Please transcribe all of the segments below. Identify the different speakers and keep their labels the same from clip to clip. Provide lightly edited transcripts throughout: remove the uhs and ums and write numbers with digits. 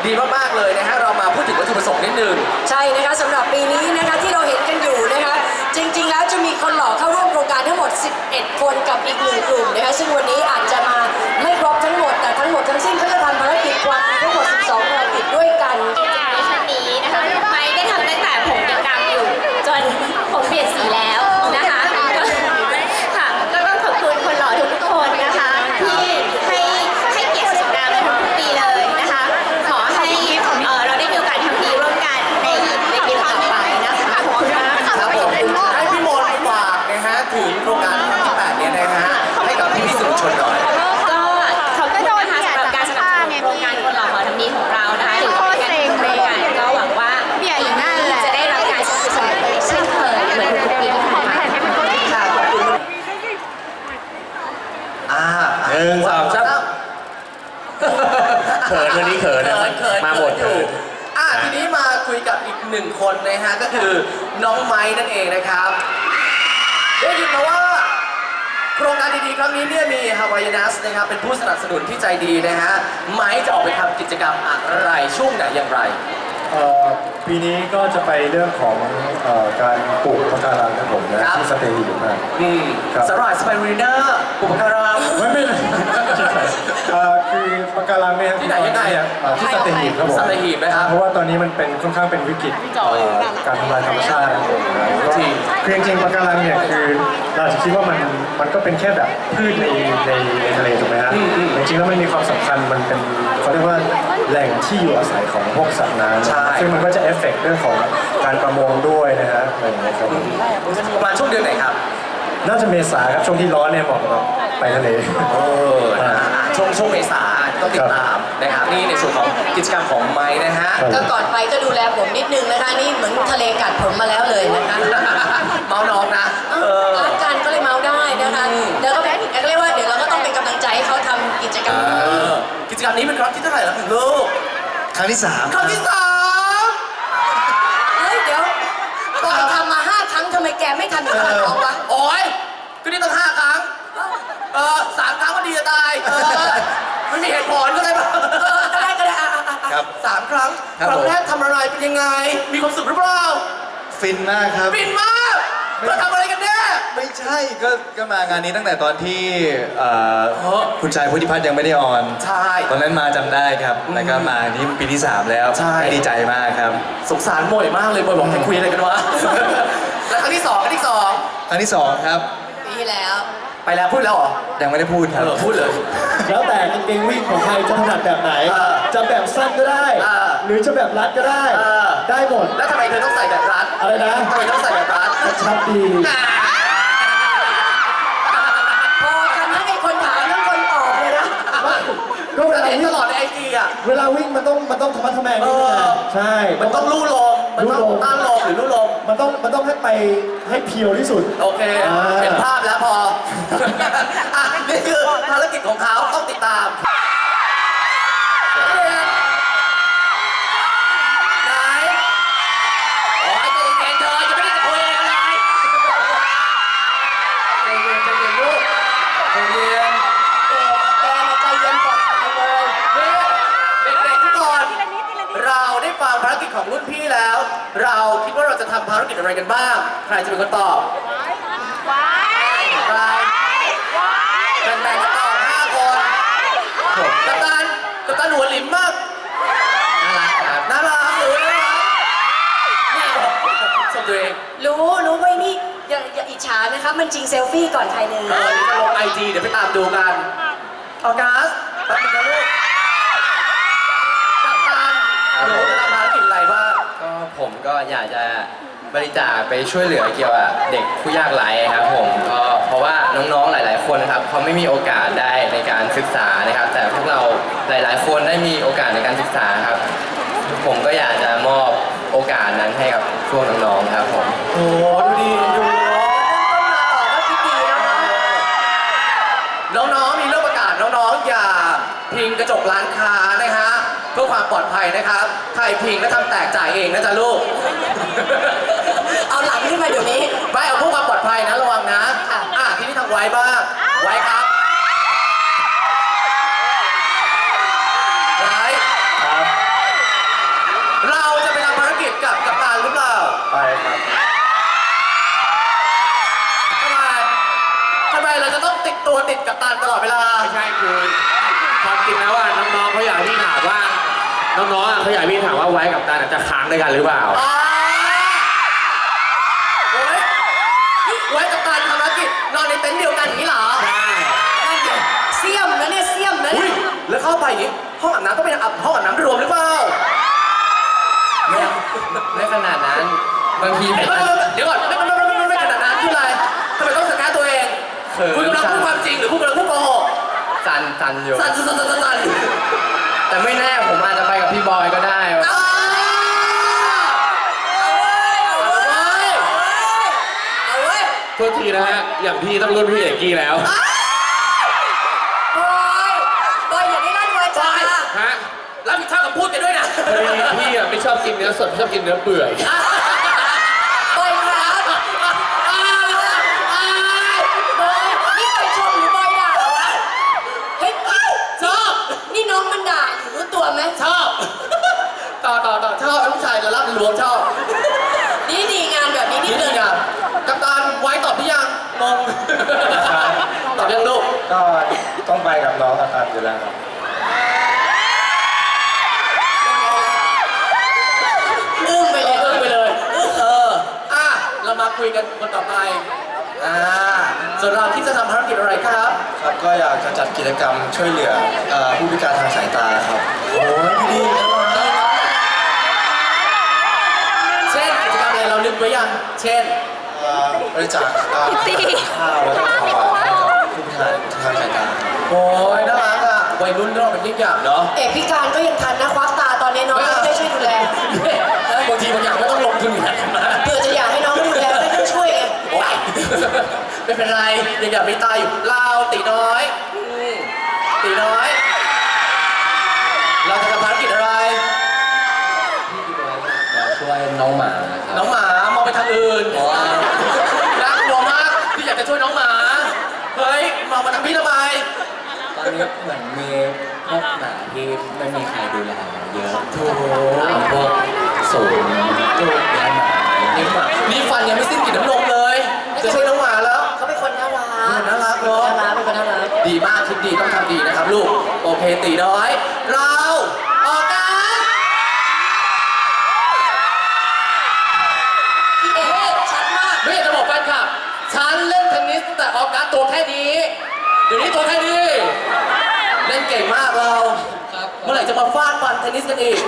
Speaker 1: ดีมากๆเลยนะฮะเรามาพูดถึงวัตถุประสงค์นิดนึง
Speaker 2: ใช่นะคะสำหรับปีนี้นะคะที่เราเห็นกันอยู่นะคะจริงๆแล้วจะมีคนหล่อเข้าร่วมโครงการทั้งหมด11คนกับอีก1กลุ่มนะคะซึ่งวันนี้อาจจะมาไม่ครบทั้งหมดแต่ทั้งหมดทั้งสิ้นก็จะทำภารกิจวันทั้งหมด12ภารกิจด้วยกัน
Speaker 3: มิชชั่นนี้นะคะไม่ได้ทำตั้งแต่ผมยังดำอยู่จนผมเปลี่ยนสีแล้วนะคะค่ะก็ต้องขอบคุณคนหล่อทุกคนนะคะที่ให้เกียรติสงกรานต์มาทุกปีเลยนะคะขอให้เราได้มีโอกาสทำดีร่วมกันในปีต่อไปนะคะขอบคุณมาก
Speaker 1: ครับผมให้พี่มนต์ฝากนะฮะถึงโครงการครั้งที่8เนี่ยนะฮะให้กับพี่สื่อมวลชนหน่อย
Speaker 3: ก็ขอบคุณนะคะสำหรับการสนับสนุนโครงการคนหล่อขอทำดีของเรานะคะถึงการทำโครงการก็หวังว่าจะได้รับการสนับสนุนเช่นเคยเหมือนทุกปีที่ผ่านมาค่ะขอบคุณ
Speaker 1: 1 2 3
Speaker 4: เขินวันนี้เขินมาหมดเขิน
Speaker 1: ทีนี้มาคุยกับอีก1คนนะฮะก็คือน้องไม้นั่นเองนะครับได้ยินมาว่าโครงการดีๆครั้งนี้เนี่ยมี Hawaiianas นะครับเป็นผู้สนับสนุนที่ใจดีนะฮะไม้จะออกไปทำกิจกรรมอะไรช่วงไหนอย่างไร
Speaker 5: ปีนี้ก็จะไปเรื่องของการปลูกปะการังครับผมนะที่สเตย์อยู่มาก
Speaker 1: สลายสไปรูเนอร์ปลูกปะการัง
Speaker 5: ไม่คือปะการังเนี่ย
Speaker 1: ที่ไหนยังไง
Speaker 5: ที่สเตย์ครับผม
Speaker 1: สเตย์นะครับ
Speaker 5: เพราะว่าตอนนี้มันเป็นค่อนข้างเป็นวิกฤตการทำลายธรรมชาติคือจริงๆปะการังเนี่ยคือเราจะคิดว่ามันก็เป็นแค่แบบพืชในทะเลถูกไหมฮะจริงๆแล้วมันมีความสำคัญมันเป็นเขาเรียกว่าแหล่งที่อยู่อาศัยของพวกสัตว์น้ำซึ่งมันก็จะเอฟเฟกต์เรื่องของการประมงด้วยนะฮะอะไรอย่างเงี้ยครับ
Speaker 1: ประมาณช่วงเดือนไหนครับ
Speaker 5: น่าจะเมษาครับช่วงที่ร้อนเนี่ยเหมาะกับไปทะเล
Speaker 1: ช่วงเมษาต้องติดตามนะครับนี่ในส่วนของกิจกรรมของไม้นะฮะ
Speaker 2: ก็ก่อนไปก็ดูแลผมนิดนึงนะคะนี่เหมือนทะเลกัดผมมาแล้วเลยนะคะ
Speaker 1: เมาน้องนะ
Speaker 2: รักกันก็เลยเมาได้นะคะแล้วก็เรียกว่าเดี๋ยวเราก็ต้องเป็นกำลังใจให้เขาทำกิจกรรม
Speaker 1: กิจกรรมนี้เป็นครั้งที่เท่าไหร่แล้วถึงลูก
Speaker 4: ครั้งที่3
Speaker 1: ครั้งที่3
Speaker 2: เฮ้ยเดี๋ยวตอนทำมา5 ครั้งทำไมแกไม่ทำอีกครั้งวะ
Speaker 1: โอ้ยก็นี่ต้อง5 ครั้ง3 ครั้งก็ดีจะตายมันมีเหตุผลก็ได้ป่ะ
Speaker 2: ก็ได้
Speaker 1: ครับ3 ครั้งครั้งแรกทำอะไรเป็นยังไงมีความสุขหรือเปล่า
Speaker 4: ฟินมากครับ
Speaker 1: ฟินมากเราทำอะไรกันแน่
Speaker 4: ไม่ใช่ก็มางานนี้ตั้งแต่ตอนที่คุณชายพุทธิพัฒน์ยังไม่ได้ออน
Speaker 1: ใช่
Speaker 4: ตอนนั้นมาจำได้ครับแล้วก็มานี่ปีที่3แล้ว
Speaker 1: ใช่
Speaker 4: ดีใจมากครับ
Speaker 1: สงสารโมยมากเลยโมยบอกให้คุยอะไรกันวะแล้วครั้งที่2ครั้งที่
Speaker 4: 2ครับ
Speaker 2: ปีที่แล้ว
Speaker 1: ไปแล้วพูดแล้วเหรอ
Speaker 4: ยังไม่ได้พูดครับ
Speaker 1: พูดเลย
Speaker 5: แล้วแต่กางเกงวิ่งของใครจะถนัดแบบไหนจะแบบสั้นก็ได้หรือจะแบบรัดก็ได้ได้หมด
Speaker 1: แล้วทำไมเธอต้องใส่แบบรัด
Speaker 5: อะไรนะ
Speaker 1: ทำไมต้องใส่แบบรัด
Speaker 5: ชัดดี
Speaker 2: พอกันนะไอ้คนถามแล้วคนตอบเลยนะ
Speaker 5: ก็เวลาวิ่ง
Speaker 1: ตลอดในIGอ่ะ
Speaker 5: เวลาวิ่งมันต้องธรรมะทแมงนิดนึงใช่
Speaker 1: มันต้องลู่ลมมันต้องต้านลมหรือลู่ลม
Speaker 5: มันต้องให้ไปให้เพียวที่สุด
Speaker 1: โอเคเห็นภาพแล้วพอนี่คือภารกิจของเขาต้องติดตามไหนโอ้ยใจเย็นเธอจะไม่ได้จะคุยอะไรใจเย็นลูกใจเย็น
Speaker 2: แกใจเย็นก่อนเลย
Speaker 1: เด็กๆทุกคนเราได้ฟังภารกิจของรุ่นพี่แล้ว เราคิดว่าเราจะทำภารกิจอะไรกันบ้างใครจะเป็นคนตอบแบ่งกันตอบ5 คนกัปตันหัวหลิมมากน่ารักครับน่ารักหรือน่ารักนี่ชมตัวเอง
Speaker 2: รู้ไว้นี่อย่าอิจฉานะคะมันจริงเซลฟี่ก่อนใครเลย
Speaker 1: จะลงIG เดี๋ยวไปตามดูกันออกัสแป๊บนึงนะลูกกัปตันหนูจะทำภารกิจอะไรบ้าง
Speaker 6: ก็ผมก็อยากจะบริจาคไปช่วยเหลือเกี่ยวกับเด็กผู้ยากไร้ครับผมก็เพราะว่าน้องๆหลายๆคนครับเขาไม่มีโอกาสได้ในการศึกษานะครับแต่พวกเราหลายๆคนได้มีโอกาสในการศึกษาครับผมก็อยากจะมอบโอกาสนั้นให้กับพวกน้องๆครับผม
Speaker 1: โอ้ดูดีดูน้องๆมีเรื่องประกาศน้องๆอย่าพิงกระจกร้านค้านะฮะเพื่อความปลอดภัยนะครับใครพิงก็ทำแตกจ่ายเองนะจ๊ะลูก
Speaker 2: เอาหลังขึ้นมาเดี๋ยวนี้
Speaker 1: ไปเอาพวกความปลอดภัยนะระวังนะทีนี้ทางไว้บ้างไว้ครับไว้กับตันตลอดเวลา
Speaker 7: ไม่ใช่คือความจริงแล้วว่าน้องๆเขาอยากให้พี่ถามว่าน้องๆเขาอยากให้พี่ถามว่าไว้กับตาจะค้างด้วยกันหรือเปล่า
Speaker 1: โอ้ยไว้กับตันทำภารกิจนอนในเต็นท์เดียวกันอย่างนี้เหรอ
Speaker 7: ใช่
Speaker 2: นั่นไงเสี่ยมนะเนี่ยเสี่ยมนะ
Speaker 1: อุ้
Speaker 2: เนี่ย ย
Speaker 1: แล้วเข้าไปอย่างนี้ห้องอาบน้ำก็เป็นห้องอาบน้ำรวมหรือเปล่า
Speaker 6: ไม่ขนาดนั้นบางทีผม
Speaker 1: เดี๋ยวก่อนไม่ขนาดนั้นคืออะไรทำไมต้องสกัดตัวเอง
Speaker 6: เขิน
Speaker 1: คุณกำลังพูดความจริงหรือคุณกำลังพูดโกหก
Speaker 6: สั่นอยู่
Speaker 1: สั่น
Speaker 6: แต่ไม่แน่ผมอาจจะไปกับพี่บอยก็ได้
Speaker 1: เอาเว้ย
Speaker 7: โทษทีนะฮะอย่างพี่ต้องรุ่นพี่เอกกี้แล้ว
Speaker 2: บอยอย่าได้ลั่นวาจา
Speaker 7: ฮะ
Speaker 1: รับผิดชอบกับพูดกันด้วยนะ
Speaker 7: พอดีพี่อ่ะไม่ชอบกินเนื้อสดชอบกินเนื้อเปื่อย
Speaker 2: บอยครับบอยนี่บอยชมหรือบอยด่าเหรอวะเฮ้ย
Speaker 1: ชอบ
Speaker 2: นี่น้องมันด่าอยู่รู้ตัวไหม
Speaker 1: ชอบต่อชอบผู้ชายระลับรวมชอบ
Speaker 2: นี่ดีงานแบบนี้นี่
Speaker 1: นี่
Speaker 2: เกิ
Speaker 1: ดี
Speaker 2: น
Speaker 1: อ่ะกัปตันไว้ตอบหรือยังงงตอบยังลูก
Speaker 5: ก็ต้องไปกับน้องกับตันอยู่แล้วครับ
Speaker 2: อึ้งไปเลย
Speaker 1: ไปเลยเรามาคุยกันคนต่อไปส่วนเราที่จะทำภารกิจอะไรครับ
Speaker 4: ครับก็อยากจะจัดกิจกรรมช่วยเหลือผู้พิการทางสายตาครับโอ้ยดีนะ
Speaker 1: เช่นกิจกรรมอะไรเรานึกไว้ยังเช่น
Speaker 4: บริจาคข้าวแล้วก็ของหวานให้กับผู้พิการทางสายตา
Speaker 1: โอ้ยน่ารักอ่ะวัยรุ่นเราเป็นยิ่งใหญ่เนาะ
Speaker 2: เอกพิการก็ยังทันนะควักตาตอนนี้น้องไม่ได้ช่วยดูแล
Speaker 1: บางทีบางอย่างไม่ต้องลงทุนอยู่แล้ว
Speaker 2: เผื่อจะอยากให้น้องดูแลไม่ต้องช่วยไง
Speaker 1: โอ๊ยไม่เป็นไรยังอยากมีตาอยู่เราตีน้อยตีน้อย เราจะทำภารกิจอะไร
Speaker 6: ช่วยน้องหมาครับ
Speaker 1: น้องหมามองไปทางอื่นน่ากลัวมากที่อยากจะช่วยน้องหมาเฮ้ยมองมาทางพี่ทำไม
Speaker 6: ตอนนี้เหมือนมีพวกหมาที่ไม่มีใครดูแลเยอะ
Speaker 1: โถ
Speaker 6: พวกศูนย์ลูกเลี้ยงหมา
Speaker 1: นี่หมานี่ฟันยังไม่สิ้นกลิ่นน้ำนมเลย จะช่วยน้องหมาแล้ว
Speaker 2: เขาเป็นคนน่ารัก
Speaker 1: น่ารักเนาะ
Speaker 2: น่ารักเป็นคนน่ารัก
Speaker 1: ดีมากคิดดีต้องทำดีนะครับลูก โอเคตีน้อย เราออกกัน
Speaker 2: พี่เอกชัดมาก
Speaker 1: ไม่อยากจะบอกแฟนคลับ ฉันเล่นเทนนิสตั้งแต่ออกการตัวแค่นี้ เดี๋ยวนี้ตัวแค่นี้ เล่นเก่งมากเรา เมื่อไหร่จะมาฟาดฟันเทนนิสกันอีก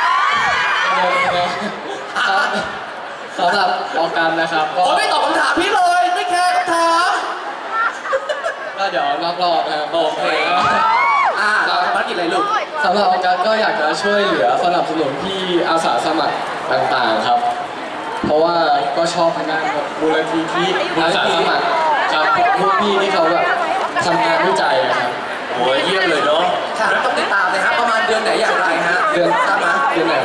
Speaker 6: สำหรับออกกันนะครับก็
Speaker 1: โอ้ไม่ตอบคำถามพี่เลย ไม่แคร์คำถาม
Speaker 6: ก็เดี๋ยวนอกรอบนะครับโอเค
Speaker 1: ภารกิจอะไรลูก
Speaker 6: สำหรับออกกันก็อยากจะช่วยเหลือสนับสนุนที่อาสาสมัครต่างๆครับ เพราะว่าก็ชอบทางด้านมูลนิธิอาสาสมัครครับพวกพี่ที่เขาแบบทำงานวิจัยอะครับ
Speaker 1: โอ้ยเยี่ยมเลยเนาะแล้วต้องติดตามเลยครับประมาณเดือนไหนอย่างไรฮะ
Speaker 6: เดือน
Speaker 1: ทราบไหม
Speaker 6: เดือนไหน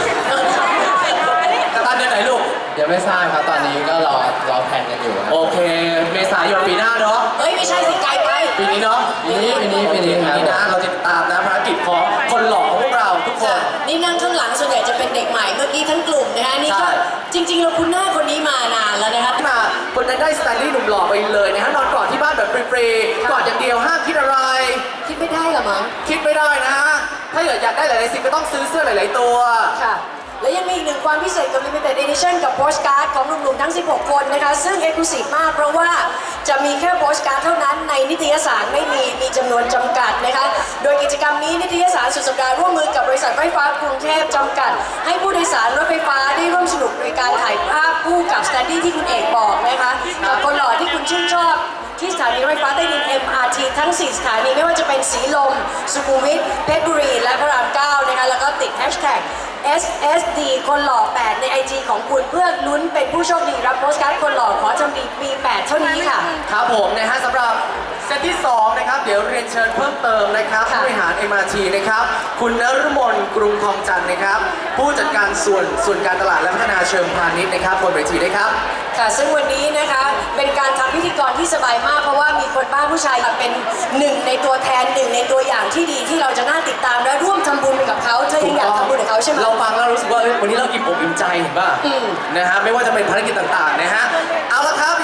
Speaker 1: กัปตันเดือนไหนลูก
Speaker 6: ยังไม่ทราบครับตอนนี้ก็รอแผนกันอยู่ครับ
Speaker 1: โอเค เมษายนปีหน้าเนาะ
Speaker 2: เฮ้ยไม่ใช่สิไกลไป
Speaker 1: ปีนี้เนาะ
Speaker 6: ปีนี้ครับ
Speaker 1: ปีนี้นะเราจะติดตามนะภารกิจของคนหล่อของพวกเราทุกคน
Speaker 2: นี่นั่งข้างหลังส่วนใหญ่จะเป็นเด็กใหม่เมื่อกี้ทั้งกลุ่มนะฮะนี่
Speaker 1: ใช่
Speaker 2: ก็จริงๆเราคุ้นหน้าคนนี้มานานแล้วนะครับ
Speaker 1: มาคนนั้นได้สไตลี่หนุ่มหล่อไปเลยนะฮะนอนกอดที่บ้านแบบฟรีๆกอดอย่างเดียวห้ามคิดอะไร
Speaker 2: คิดไม่ได้เหรอมั้ง
Speaker 1: คิดไม่ได้นะฮะถ้าอยากได้หลายๆสิ่งก็ต้องซื้อเสื้อหลายๆตัว
Speaker 2: ค่ะ และยังมีอีกหนึ่งความพิเศษกับ Limited Edition กับโพสการ์ดของหนุ่มๆทั้ง 16 คนนะคะ ซึ่ง Exclusive มากเพราะว่าจะมีแค่โพสการ์ดเท่านั้นในนิตยสารไม่มีจำนวนจำกัดนะคะ โดยกิจกรรมนี้นิตยสารสุดสัปดาห์ร่วมมือกับบริษัทไฟฟ้ากรุงเทพจำกัด ให้ผู้โดยสารรถไฟฟ้าได้ร่วมสนุกในการถ่ายภาพคู่กับสแตนดี้ที่คุณเอกบอกนะคะกับคนหล่อที่คุณชื่นชอบ ที่สถานีรถไฟฟ้าใต้ดิน MRT ทั้ง 4 สถานีไม่ว่าจะเป็นสีลม สุขุมวิท เพชรบุรี และพระราม 9 นะคะ แล้วก็ติด Hashtag SSD คนหล่อ 8 ใน IG ของคุณเพื่อลุ้นเป็นผู้โชคดีรับโพสการ์ดคนหล่อขอทำดีปี 8 เท่านี้ค่ะ
Speaker 1: ครับผมนะฮะสำหรับเซตที่ 2 นะครับ เดี๋ยวเรียนเชิญเพิ่มเติมนะครับ
Speaker 2: ค่ะ
Speaker 1: ผู้บริหาร MRT นะครับ คุณนฤมลกรุงทองจันทร์นะครับ ผู้จัดการส่วนการตลาดและพัฒนาเชิงพาณิชย์นะครับบนเวทีด้วยครับ
Speaker 2: ค่ะซึ่งวันนี้นะคะเป็นการทำพิธีกรที่สบายมากเพราะว่ามีคนบ้านผู้ชายเป็นหนึ่งในตัวแทนหนึ่งในตัวอย่างที่ดีที่เราจะน่าติดตามและร่วมทำบุญไปกับเขาเธอยังอยากทำบุญกับเขาใช่ไหม
Speaker 1: เราฟังแล้วรู้สึกว่าเอ้ยวันนี้เราอิ่มอกอิ่มใจเห็นป่ะ
Speaker 2: อืม
Speaker 1: นะฮะไม่ว่าจะเป็นภารกิจต่างๆนะฮะเอาละครับยังมีอีก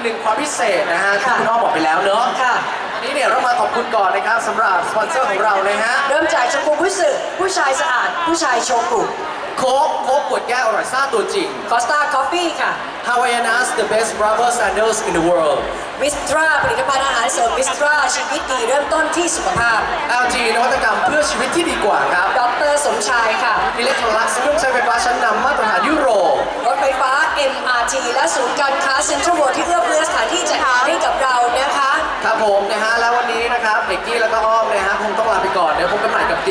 Speaker 1: หนึ่งความพิเศษนะฮะที่
Speaker 2: ค่ะ
Speaker 1: คุณอ้อมบอกไปแล้วเนอะ
Speaker 2: ค่ะ
Speaker 1: วันนี้เนี่ยเรามาขอบคุณก่อนนะครับสำหรับสปอนเซอร์ของเรานะฮะ
Speaker 2: เริ่มจากชมพูผู้สึกผู้ชายสะอาด ผู้ชายโชกุ
Speaker 1: โค้กขวดแก้วอร่อยซ่าตัวจริง
Speaker 2: คอสตาคอฟฟี่ค่ะ
Speaker 1: Havaianas the best rubber sandals in the world
Speaker 2: วิสตราผลิตภัณฑ์อาหารเสริมวิสตราชีวิตดีเริ่มต้นที่สุขภาพ
Speaker 1: LG นวัตกรรมเพื่อชีวิตที่ดีกว่าครับ
Speaker 2: ดรสมชายค่ะ
Speaker 1: Electrolux เครื่องใช้ไฟฟ้าชั้นนำมาตรฐานยุโรป
Speaker 2: รถไฟฟ้า MRT และศูนย์การค้าเซ็นทรัลเวิลด์ที่เอื้อเฟื้อสถานที่จัดงานให้กับเรานะคะ
Speaker 1: ครับผมนะฮะแล้ววันนี้นะครับเบกกี้แล้วก็อ้อมนะฮะคงต้องลาไปก่อนเดี๋ยวพบกันใหม่กับ